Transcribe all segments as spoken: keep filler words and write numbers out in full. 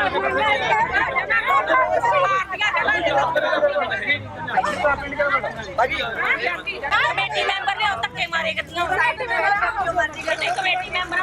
Committee member ने धक्के मारे कमेटी मैंबर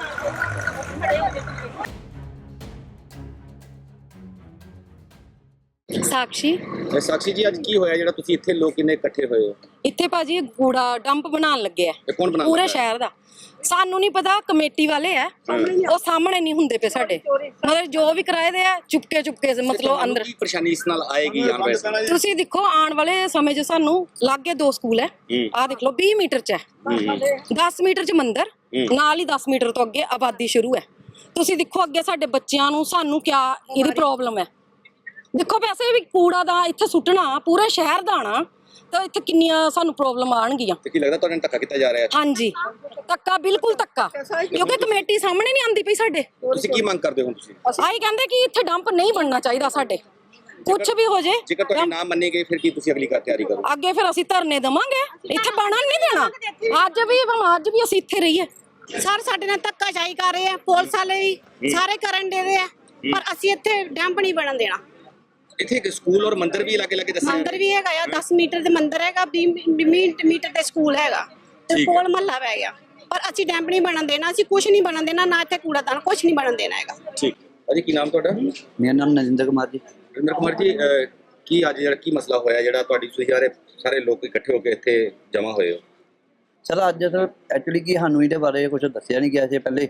साक्षी साक्षी जी, आज की होया जेड़ा तुसी इत्थे लोग किन्ने इकट्ठे होए हो? इत्थे भाजी कूड़ा डंप बनान लगे है कौन बना पूरे शहर दा सानू नहीं पता कमेटी वाले है वो सामने नहीं हुंदे पे साडे मतलब जो भी कराए दे है चुपके चुपके से मतलब अंदर की परेशानी इस नाल आएगी आन वाले तुसी देखो आने वाले समय च सानू लागे दो स्कूल है आ देख लो बीस मीटर च है दस मीटर च मंदिर नाल ही दस मीटर तो अगे आबादी शुरू है तुसी देखो अगे साडे बच्चियां नू सानू क्या इहदी प्रॉब्लम है देखो वैसे भी कूड़ा दा इत्थे सुट्टना पूरे शहर दा आना तो इत्थे किन्नियां सानू प्रॉब्लम आणगियां ते की लगदा तुहाडे धक्का कीता जा रहा है? हाँ जी धक्का बिल्कुल धक्का क्योंकि कमेटी सामने नहीं आंदी पई साडे तुसी की मंग करदे हो तुसी? आई कहंदे कि इत्थे डंप नहीं बनना चाहिदा साडे कुछ भी हो जे जेकर तुहाडी ना मन्नी गई फिर की तुसी अगली तैयारी करो? अगे फिर ਅਸੀਂ ਧਰਨੇ ਦੇਵਾਂਗੇ ਇੱਥੇ ਬਣਨ ਨਹੀਂ ਦੇਣਾ ਅੱਜ ਵੀ ਅੱਜ ਵੀ ਅਸੀਂ ਇੱਥੇ ਰਹੀਏ ਸਰ ਸਾਡੇ ਨਾਲ ਧੱਕਾਸ਼ਾਹੀ ਕਰ ਰਹੇ ਆ ਪੁਲਿਸ ਵਾਲੇ ਵੀ ਸਾਰੇ ਕਰਨ ਦੇ ਰਹੇ ਆ ਪਰ ਅਸੀਂ ਇੱਥੇ ਡੰਪ ਨਹੀਂ ਬਣਨ ਦੇਣਾ ਇੱਥੇ ਇੱਕ ਸਕੂਲ ਔਰ ਮੰਦਿਰ ਵੀ ਲਾਗੇ ਲਾਗੇ ਦੱਸਿਆ ਮੰਦਿਰ ਵੀ ਹੈਗਾ ਆ ਦਸ ਮੀਟਰ ਦੇ ਮੰਦਿਰ ਹੈਗਾ ਵੀਹ ਮੀਟਰ ਤੇ ਸਕੂਲ ਹੈਗਾ ਤੇ ਕੋਲ ਮਹੱਲਾ ਪੈ ਗਿਆ ਪਰ ਅਸੀਂ ਡੰਪ ਨਹੀਂ ਬਣਨ ਦੇਣਾ ਅਸੀਂ ਕੁਝ ਨਹੀਂ ਬਣਨ ਦੇਣਾ ਨਾ ਇੱਥੇ ਕੂੜਾਦਾਨ ਕੁਝ ਨਹੀਂ ਬਣਨ ਦੇਣਾ ਹੈਗਾ ਠੀਕ ਅਜੀ ਕੀ ਨਾਮ ਤੁਹਾਡਾ? ਮੇਰਾ ਨਾਮ ਨਰਿੰਦਰ ਕੁਮਾਰ ਜੀ। ਨਰਿੰਦਰ ਕੁਮਾਰ ਜੀ, ਕੀ ਅੱਜ ਜਿਹੜਾ ਕੀ ਮਸਲਾ ਹੋਇਆ ਜਿਹੜਾ ਤੁਹਾਡੀ ਤੁਸੀਂ ਸਾਰੇ ਸਾਰੇ ਲੋਕ ਇਕੱਠੇ ਹੋ ਕੇ ਇੱਥੇ ਜਮ੍ਹਾਂ ਹੋਏ ਹੋ? ਸਰ ਅੱਜ ਸਰ ਐਕਚੁਅਲੀ ਕੀ ਸਾਨੂੰ ਇਹਦੇ ਬਾਰੇ ਕੁਝ ਦੱਸਿਆ ਨਹੀਂ ਗਿਆ ਸੀ ਪਹਿਲੇ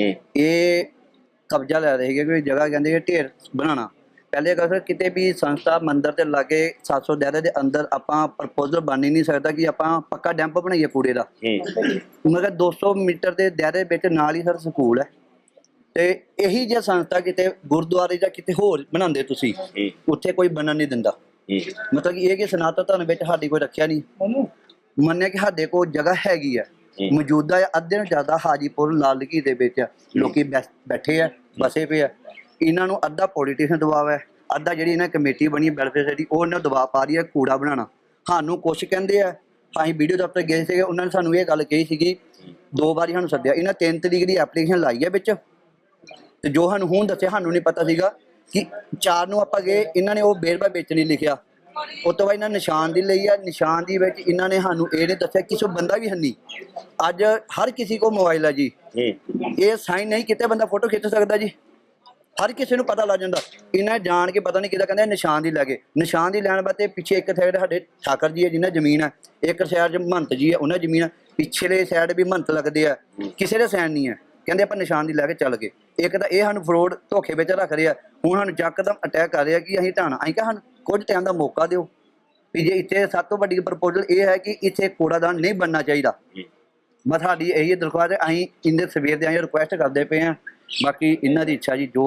ਇਹ ਕਬਜ਼ਾ ਲੈ ਰਹੇ ਸੀਗੇ ਕੋਈ ਜਗ੍ਹਾ ਕਹਿੰਦੇ ਕਿ ਢੇਰ ਬਣਾਉਣਾ ਪਹਿਲੇ ਅਗਰ ਕਿਤੇ ਵੀ ਸੰਸਥਾ ਮੰਦਰ ਦੇ ਲਾਗੇ ਸੱਤ ਸੌ ਦਾਇਰੇ ਦੇ ਅੰਦਰ ਆਪਾਂ ਪ੍ਰਪੋਜ਼ਲ ਬਣ ਹੀ ਨਹੀਂ ਸਕਦਾ ਕਿ ਆਪਾਂ ਪੱਕਾ ਡੈਂਪ ਬਣਾਈਏ ਕੂੜੇ ਦਾ ਮਗਰ ਦੋ ਸੌ ਮੀਟਰ ਦੇ ਦਾਇਰੇ ਵਿੱਚ ਨਾਲ ਹੀ ਸਰ ਸਕੂਲ ਹੈ ਤੇ ਇਹੀ ਜੇ ਸੰਸਥਾ ਕਿਤੇ ਗੁਰਦੁਆਰੇ ਜਾਂ ਕਿਤੇ ਹੋਰ ਬਣਾਉਂਦੇ ਤੁਸੀਂ ਉੱਥੇ ਕੋਈ ਬਣਨ ਨਹੀਂ ਦਿੰਦਾ ਮਤਲਬ ਕਿ ਇਹ ਕਿ ਸਨਾਤਨ ਧਰਮ ਵਿੱਚ ਸਾਡੀ ਕੋਈ ਰੱਖਿਆ ਨਹੀਂ ਮੰਨਿਆ ਕਿ ਸਾਡੇ ਕੋਲ ਜਗ੍ਹਾ ਹੈਗੀ ਹੈ ਮੌਜੂਦਾ ਅੱਧੇ ਨੂੰ ਜ਼ਿਆਦਾ ਹਾਜੀਪੁਰ ਲਾਲ ਲਕੀ ਦੇ ਵਿੱਚ ਲੋਕੀ ਬੈਠੇ ਆ ਬਸੇ ਪਏ ਆ ਇਹਨਾਂ ਨੂੰ ਅੱਧਾ ਪੋਲੀਟੀਸ਼ੀਅਨ ਦਬਾਅ ਹੈ ਅੱਧਾ ਜਿਹੜੀ ਇਹਨਾਂ ਕਮੇਟੀ ਬਣੀ ਵੈਲਫੇਅਰ ਸੋਸਾਇਟੀ ਉਹ ਇਹਨਾਂ ਦਬਾਅ ਪਾ ਰਹੀ ਹੈ ਕੂੜਾ ਬਣਾਉਣਾ ਸਾਨੂੰ ਕੁਛ ਕਹਿੰਦੇ ਆ ਅਸੀਂ ਵੀਡੀਓ ਦਫ਼ਤਰ ਗਏ ਸੀਗੇ ਉਹਨਾਂ ਨੇ ਸਾਨੂੰ ਇਹ ਗੱਲ ਕਹੀ ਸੀਗੀ ਦੋ ਵਾਰੀ ਸਾਨੂੰ ਸੱਦਿਆ ਇਹਨਾਂ ਤਿੰਨ ਤਰੀਕ ਦੀ ਐਪਲੀਕੇਸ਼ਨ ਲਾਈ ਹੈ ਵਿੱਚ ਤੇ ਜੋ ਸਾਨੂੰ ਹੁਣ ਦੱਸਿਆ ਸਾਨੂੰ ਨਹੀਂ ਪਤਾ ਸੀਗਾ ਕਿ ਚਾਰ ਨੂੰ ਆਪਾਂ ਗਏ ਇਹਨਾਂ ਨੇ ਉਹ ਬੇਰਬਾ ਵਿੱਚ ਨਹੀਂ ਲਿਖਿਆ ਉਸ ਤੋਂ ਬਾਅਦ ਇਹਨਾਂ ਨਿਸ਼ਾਨ ਦੀ ਲਈ ਆ ਨਿਸ਼ਾਨ ਦੀ ਵਿੱਚ ਇਹਨਾਂ ਨੇ ਸਾਨੂੰ ਇਹ ਨਹੀਂ ਦੱਸਿਆ ਕਿਸੇ ਬੰਦਾ ਵੀ ਹੈ ਨਹੀਂ ਅੱਜ ਹਰ ਕਿਸੇ ਕੋਲ ਮੋਬਾਈਲ ਆ ਜੀ ਇਹ ਸਾਈਨ ਨਹੀਂ ਕਿਤੇ ਬੰਦਾ ਫੋਟੋ ਖਿੱਚ ਸਕਦਾ ਜੀ ਹਰ ਕਿਸੇ ਨੂੰ ਪਤਾ ਲੱਗ ਜਾਂਦਾ ਇਹਨਾਂ ਜਾਣ ਕੇ ਪਤਾ ਨਹੀਂ ਕਿਹਦਾ ਕਹਿੰਦੇ ਨਿਸ਼ਾਨ ਦੀ ਲੈ ਕੇ ਨਿਸ਼ਾਨ ਦੀ ਲੈਣ ਵਾਸਤੇ ਪਿੱਛੇ ਇੱਕ ਸਾਈਡ ਸਾਡੇ ਠਾਕਰ ਜੀ ਹੈ ਜਿਹਨਾਂ ਜ਼ਮੀਨ ਹੈ ਇੱਕ ਸਾਈਡ 'ਚ ਮਹੰਤ ਜੀ ਹੈ ਉਹਨਾਂ ਜ਼ਮੀਨ ਪਿਛਲੇ ਸਾਈਡ ਵੀ ਮਹੰਤ ਲੱਗਦੇ ਆ ਕਿਸੇ ਦੇ ਸਾਈਨ ਨਹੀਂ ਹੈ ਕਹਿੰਦੇ ਆਪਾਂ ਨਿਸ਼ਾਨ ਦੀ ਲੈ ਕੇ ਚੱਲ ਗਏ ਇੱਕ ਤਾਂ ਇਹ ਸਾਨੂੰ ਫਰੋਡ ਧੋਖੇ ਵਿੱਚ ਰੱਖ ਰਹੇ ਆ ਹੁਣ ਸਾਨੂੰ ਯਕਦਮ ਅਟੈਕ ਕਰ ਰਿਹਾ ਕਿ ਅਸੀਂ ਢਾਣਾ ਅਸੀਂ ਕਿਹਾ ਸਾਨੂੰ ਕੁਝ ਟਾਈਮ ਦਾ ਮੌਕਾ ਦਿਓ ਵੀ ਜੇ ਇੱਥੇ ਸਭ ਤੋਂ ਵੱਡੀ ਪ੍ਰਪੋਜ਼ਲ ਇਹ ਹੈ ਕਿ ਇੱਥੇ ਕੂੜਾਦਾਨ ਨਹੀਂ ਬਣਨਾ ਚਾਹੀਦਾ ਬਸ ਸਾਡੀ ਇਹੀ ਦਰਖਾਸਤ ਹੈ ਅਸੀਂ ਇੰਦੇ ਸਵੇਰ ਦੇ ਆਏ ਰਿਕੁਐਸਟ ਕਰਦੇ ਪਏ ਹਾਂ ਬਾਕੀ ਇਹਨਾਂ ਦੀ ਇੱਛਾ ਜੀ ਜੋ